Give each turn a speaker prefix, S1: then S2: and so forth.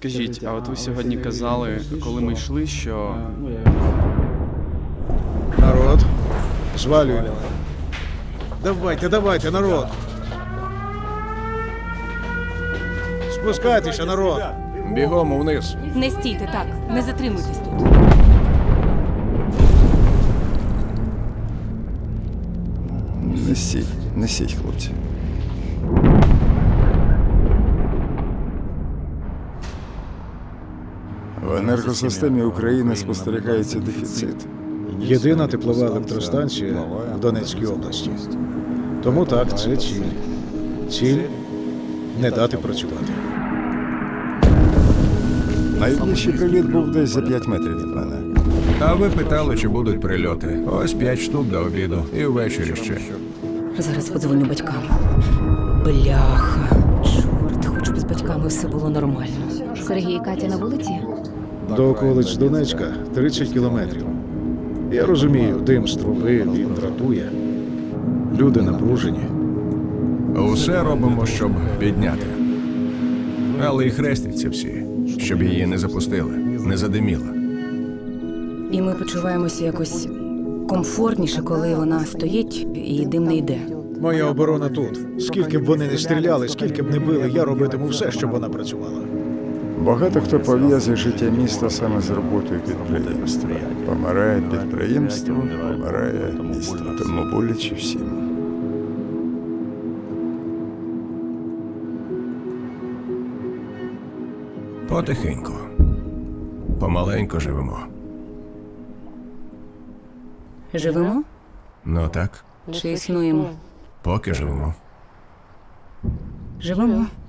S1: Скажіть, а от ви сьогодні казали, коли ми йшли, що
S2: Народ, звалюємо. Давайте, народ. Спускайтеся, народ.
S3: Бігом вниз.
S4: Не стійте так, не затримуйтесь тут.
S5: Несіть, хлопці. В енергосистемі України спостерігається дефіцит.
S2: Єдина теплова електростанція в Донецькій області. Тому так, це ціль. Ціль не дати працювати.
S5: Найближчий приліт був десь за 5 метрів від мене.
S3: А ви питали, чи будуть прильоти. Ось 5 штук до обіду. І ввечері ще.
S4: Зараз подзвоню батькам. Бляха. Чорт, хоч би з батьками все було нормально.
S6: Сергій і Катя на вулиці?
S2: До околиць Донецька 30 кілометрів. Я розумію, дим з труби, він дратує. Люди напружені.
S3: Усе робимо, щоб підняти. Але і хрестяться всі, щоб її не запустили, не задиміла.
S4: І ми почуваємося якось комфортніше, коли вона стоїть і дим не йде.
S2: Моя оборона тут. Скільки б вони не стріляли, скільки б не били, я робитиму все, щоб вона працювала.
S5: Багато хто пов'язує життя міста саме з роботою підприємства. Помирає підприємство, помирає місто. Тому боляче всім.
S3: Потихеньку. Помаленьку живемо.
S4: Живемо
S3: Ну так,
S4: чи існуємо?
S3: поки живемо.
S4: Живемо.